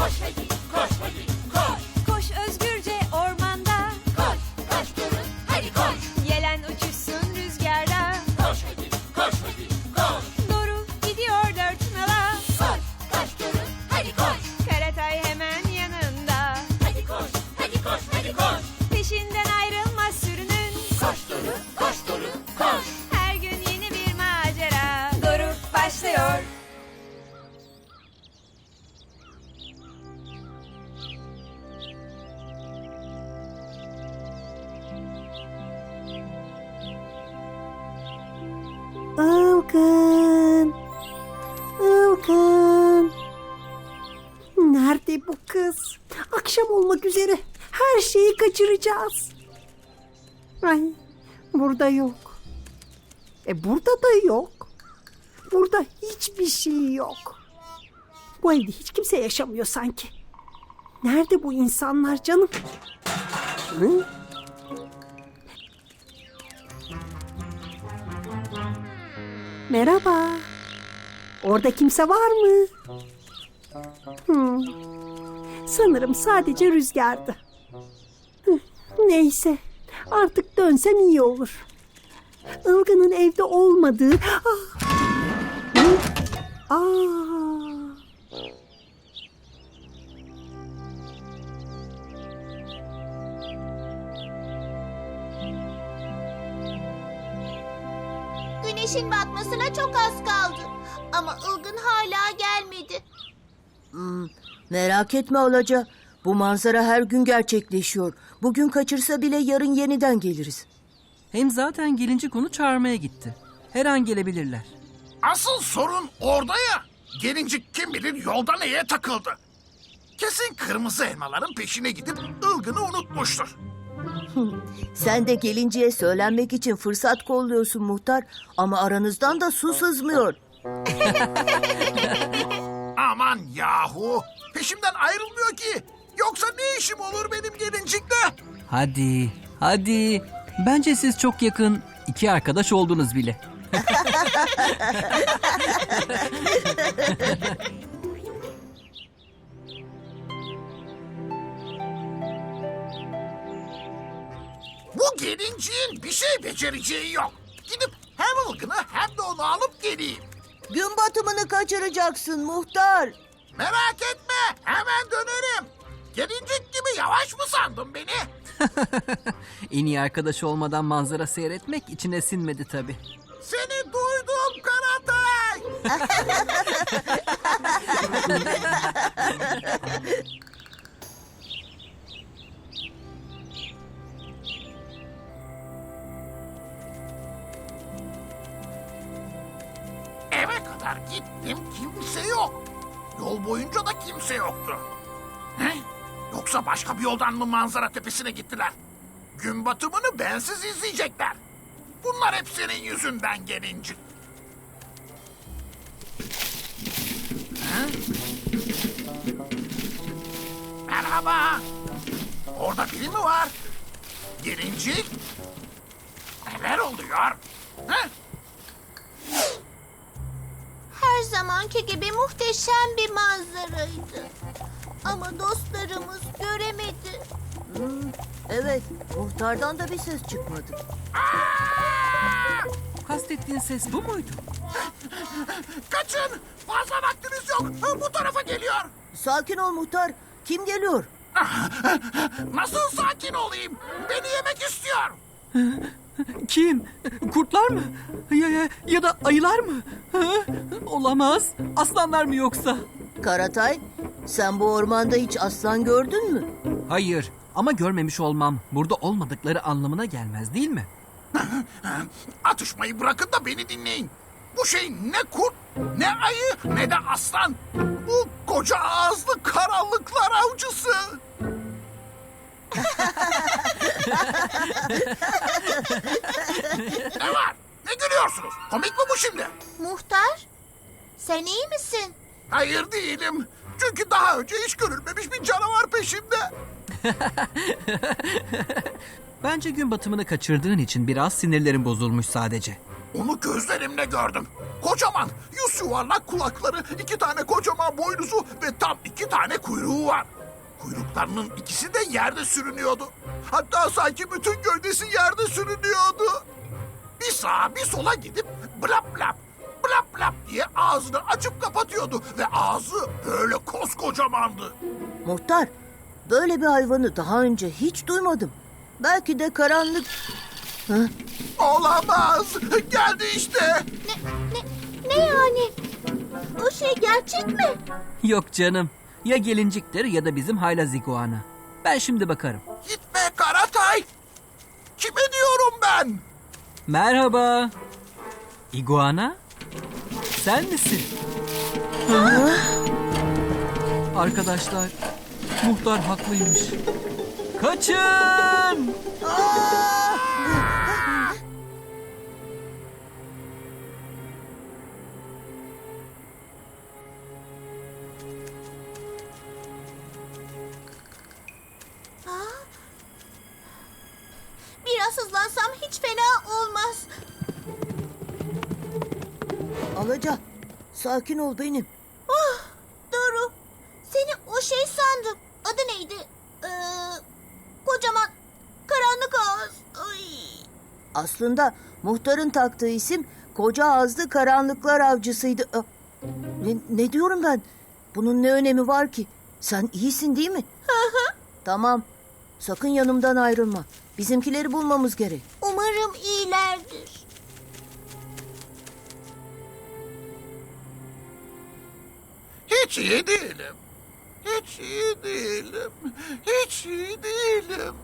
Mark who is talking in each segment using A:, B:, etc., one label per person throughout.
A: Koş hadi, koş hadi, koş.
B: Koş özgürce ormanda.
A: Koş, koş durun, hadi koş.
B: Yelen uçuşsun rüzgarda.
A: Koş hadi, koş hadi, koş.
B: Doğru gidiyor dört nala.
A: Koş, koş durun, hadi koş.
B: Karatay hemen yanında.
A: Hadi koş, hadi koş, hadi koş.
B: Peşinden ayrılmaz sürünün.
A: Koş durun, koş durun, koş.
B: Her gün yeni bir macera. Doğru başlıyor.
C: Ilgın. Ilgın. Nerede bu kız? Akşam olmak üzere. Her şeyi kaçıracağız. Ay, burada yok. Burada da yok. Burada hiçbir şey yok. Bu evde hiç kimse yaşamıyor sanki. Nerede bu insanlar canım? Hı? Merhaba. Orada kimse var mı? Sanırım sadece rüzgardı. Neyse. Artık dönsem iyi olur. Ilgın'ın evde olmadığı...
D: Güneşin batmasına çok az kaldı. Ama Ilgın hala gelmedi.
E: Merak etme Alaca. Bu manzara her gün gerçekleşiyor. Bugün kaçırsa bile yarın yeniden geliriz.
F: Hem zaten gelincik onu çağırmaya gitti. Her an gelebilirler.
G: Asıl sorun orada ya. Gelincik kim bilir yolda neye takıldı. Kesin kırmızı elmaların peşine gidip ılgını unutmuştur.
E: Sen de gelinceye söylenmek için fırsat kolluyorsun muhtar. Ama aranızdan da su sızmıyor.
G: Aman yahu. Peşimden ayrılmıyor ki. Yoksa ne işim olur benim gelincikle?
F: Hadi, hadi. Bence siz çok yakın iki arkadaş oldunuz bile.
G: Bu gelinciğin bir şey becereceği yok. Gidip hem ılgını hem de onu alıp geleyim.
E: Gün batımını kaçıracaksın muhtar.
G: Merak etme, hemen dönerim. Gelincik gibi yavaş mı sandın beni?
F: En iyi arkadaş olmadan manzara seyretmek içine sinmedi tabii.
G: Seni duydum Karatay. Eve kadar gittim, kimse yok. Yol boyunca da kimse yoktu. He? Yoksa başka bir yoldan mı manzara tepesine gittiler? Gün batımını bensiz izleyecekler. Bunlar hep senin yüzünden gelincik. He? Merhaba. Orada biri mi var? Gelincik? Neler oluyor? He?
D: Her zamanki gibi muhteşem bir manzaraydı. Ama dostlarımız göremedi.
E: Evet, muhtardan da bir ses çıkmadı.
F: Kastettiğin ses bu muydu?
G: Kaçın! Fazla vaktiniz yok. Bu tarafa geliyor.
E: Sakin ol muhtar. Kim geliyor?
G: Nasıl sakin olayım? Beni yemek istiyor.
F: Kim? Kurtlar mı? Ya da ayılar mı? Ha? Olamaz. Aslanlar mı yoksa?
E: Karatay, sen bu ormanda hiç aslan gördün mü?
F: Hayır. Ama görmemiş olmam burada olmadıkları anlamına gelmez değil mi?
G: Atışmayı bırakın da beni dinleyin. Bu şey ne kurt, ne ayı, ne de aslan. Bu koca ağızlı karanlıklar avcısı. Ne var? Ne gülüyorsunuz? Komik mi bu şimdi?
D: Muhtar, sen iyi misin?
G: Hayır değilim. Çünkü daha önce hiç görülmemiş bir canavar peşimde.
F: Bence gün batımını kaçırdığın için biraz sinirlerin bozulmuş sadece.
G: Onu gözlerimle gördüm. Kocaman, yüz yuvarlak kulakları, 2 tane kocaman boynuzu ve tam 2 tane kuyruğu var. Kuyruklarının ikisi de yerde sürünüyordu. Hatta sanki bütün gövdesi yerde sürünüyordu. Bir sağa bir sola gidip blap blap, blap blap diye ağzını açıp kapatıyordu. Ve ağzı böyle koskocamandı.
E: Muhtar, böyle bir hayvanı daha önce hiç duymadım. Belki de karanlık...
G: Olamaz, geldi işte.
D: Ne yani? O şey gerçek mi?
F: Yok canım. Ya gelinciktir ya da bizim haylaz iguana. Ben şimdi bakarım.
G: Gitme Karatay. Kime diyorum ben?
F: Merhaba. İguana? Sen misin? Arkadaşlar, muhtar haklıymış. Kaçın!
D: Biraz hızlansam hiç fena olmaz.
E: Alaca, sakin ol benim.
D: Doğru. Seni o şey sandım. Adı neydi? Kocaman karanlık ağız. Ay.
E: Aslında muhtarın taktığı isim koca ağızlı karanlıklar avcısıydı. Ne diyorum ben? Bunun ne önemi var ki? Sen iyisin değil mi? Tamam. Sakın yanımdan ayrılma. Bizimkileri bulmamız gerek.
D: Umarım iyilerdir.
G: Hiç iyi değilim. Hiç iyi değilim. Hiç iyi değilim.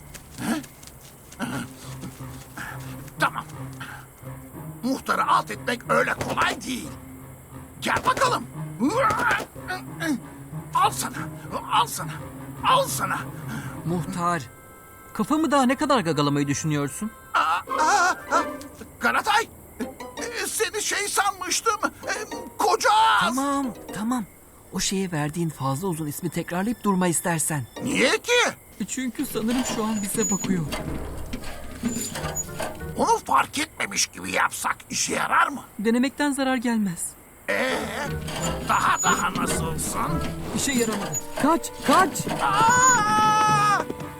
G: Tamam. Muhtarı alt etmek öyle kolay değil. Gel bakalım. Al sana. Al sana. Al sana.
F: Muhtar, kafamı daha ne kadar gagalamayı düşünüyorsun?
G: Karatay. Seni şey sanmıştım. Koca ağız.
F: Tamam. O şeye verdiğin fazla uzun ismi tekrarlayıp durma istersen.
G: Niye ki?
F: Çünkü sanırım şu an bize bakıyor.
G: Onu fark etmemiş gibi yapsak işe yarar mı?
F: Denemekten zarar gelmez.
G: Daha nasılsın?
F: İşe yaramadı. Kaç!
G: Aa!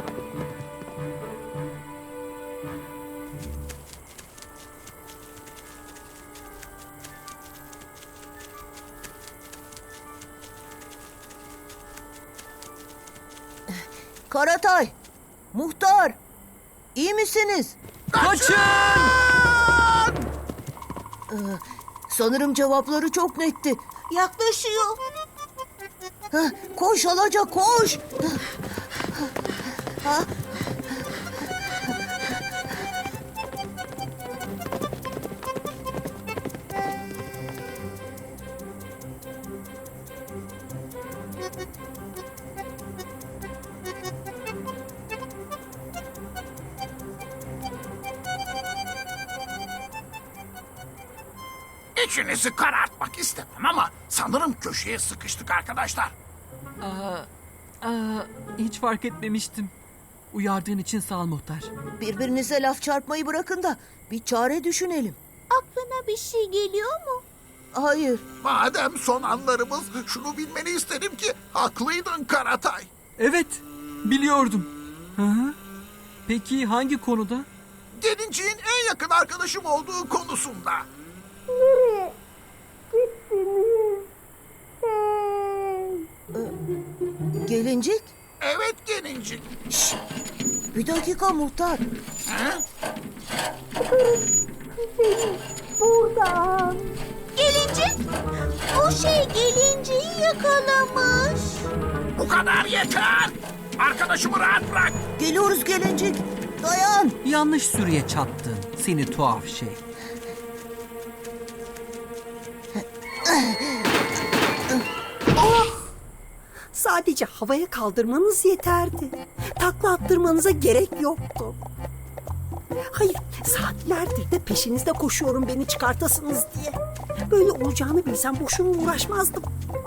E: Karatay, muhtar, iyi misiniz?
F: Kaçın!
E: Sanırım cevapları çok netti.
D: Yaklaşıyor.
E: Koş Alaca, koş.
G: İçinizi karartmak istemem ama sanırım köşeye sıkıştık arkadaşlar.
F: Hiç fark etmemiştim. Uyardığın için sağ ol muhtar.
E: Birbirinize laf çarpmayı bırakın da bir çare düşünelim.
D: Aklına bir şey geliyor mu?
E: Hayır,
G: Madem son anlarımız, şunu bilmeni isterim ki haklıydın Karatay.
F: Evet, biliyordum. Hı. Peki hangi konuda?
G: Gelinciğin en yakın arkadaşım olduğu konusunda.
E: gelincik.
G: Evet Gelincik.
E: Bir dakika muhtar.
G: Ha?
D: Gelincik. O şey gelinciyi yakalamış.
G: Bu kadar yeter. Arkadaşımı rahat bırak.
E: Geliyoruz gelincik. Dayan.
F: Yanlış sürüye çattın seni tuhaf şey.
C: Sadece havaya kaldırmanız yeterdi. Takla attırmanıza gerek yoktu. Hayır, saatlerdir de peşinizde koşuyorum beni çıkartasınız diye. Böyle olacağını bilsem boşuna uğraşmazdım.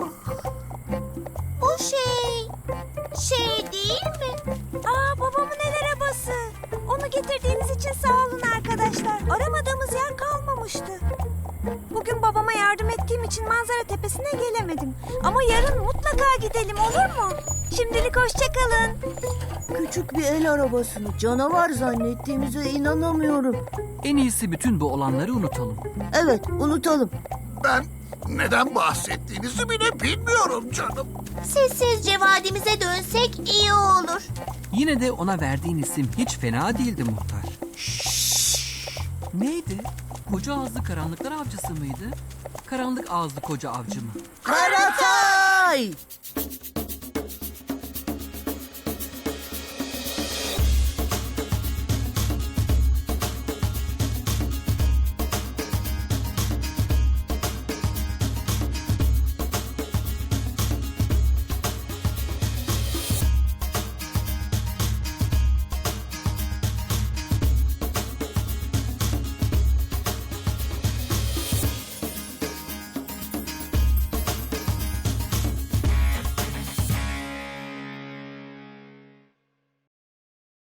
D: O şey değil mi?
B: Aa, babamın el arabası. Onu getirdiğiniz için sağ olun arkadaşlar. Aramadığımız yer kalmamıştı. Bugün babama yardım ettiğim için manzara tepesine gelemedim. Ama yarın mutlaka gidelim, olur mu? Şimdilik hoşça kalın.
E: Küçük bir el arabasını canavar zannettiğimize inanamıyorum.
F: En iyisi bütün bu olanları unutalım.
E: Evet, unutalım.
G: Ben neden bahsettiğinizi bile bilmiyorum canım.
D: Sessizce vadimize dönsek iyi olur.
F: Yine de ona verdiğin isim hiç fena değildi muhtar. Neydi? Koca ağızlı karanlıklar avcısı mıydı? Karanlık ağızlı koca avcı mı?
E: Karatay!